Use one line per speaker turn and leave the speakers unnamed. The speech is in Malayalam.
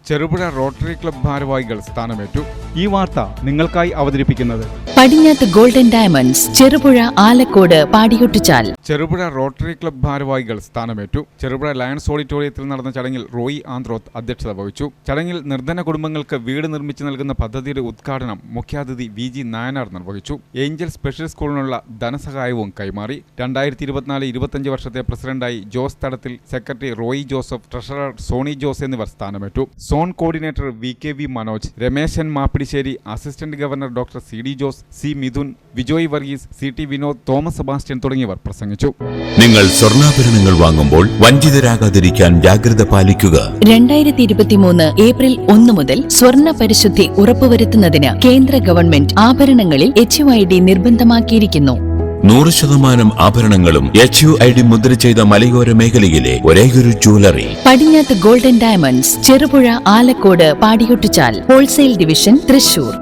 ചെറുപുഴ റോട്ടറി ക്ലബ് ഭാരവാഹികൾ സ്ഥാനമേറ്റു. ഈ വാർത്ത നിങ്ങൾക്കായി അവതരിപ്പിക്കുന്നത്
Padinjath golden diamonds, Cherupuzha, Alakode, Padiyottuchal.
Cherupuzha rotary club ഭാരവാഹികൾ സ്ഥാനമേറ്റു. ചെറുപുഴ ലയൺസ് ഓഡിറ്റോറിയത്തിൽ നടന്ന ചടങ്ങിൽ റോയി ആന്ത്രോത്ത് അധ്യക്ഷത വഹിച്ചു. ചടങ്ങിൽ നിർധന കുടുംബങ്ങൾക്ക് വീട് നിർമ്മിച്ചു നൽകുന്ന പദ്ധതിയുടെ ഉദ്ഘാടനം മുഖ്യാതിഥി VG നായനാർ നിർവഹിച്ചു. ഏഞ്ചൽ സ്പെഷ്യൽ സ്കൂളിനുള്ള ധനസഹായവും കൈമാറി. 2024-25 വർഷത്തെ പ്രസിഡന്റായി ജോസ് തടത്തിൽ, സെക്രട്ടറി റോയി ജോസഫ്, ട്രഷറർ സോണി ജോസ് എന്നിവർ സ്ഥാനമേറ്റു. Zone coordinator VKV Manoj, Rameshan Mappidissery, assistant governor doctor CD Jose, C Mithun, Vijoy Varghese, CT Vinod, Thomas Sebastian തുടങ്ങിയവർ പ്രസംഗിച്ചു.
നിങ്ങൾ സ്വർണ്ണാഭരണങ്ങൾ വാങ്ങുമ്പോൾ വഞ്ചിതരാകാതിരിക്കാൻ ജാഗ്രത പാലിക്കുക.
2023 ഏപ്രിൽ 1 മുതൽ സ്വർണ്ണ പരിശുദ്ധി ഉറപ്പുവരുത്തുന്നതിന് കേന്ദ്ര ഗവൺമെന്റ് ആഭരണങ്ങളിൽ HUID നിർബന്ധമാക്കിയിരിക്കുന്നു.
100% ആഭരണങ്ങളും HUID മുദ്ര ചെയ്ത മലയോര മേഖലയിലെ ഒരേയൊരു jewellery
Padinjath golden diamonds, Cherupuzha, Alakode, Padiyottuchal. Wholesale division, Thrissur.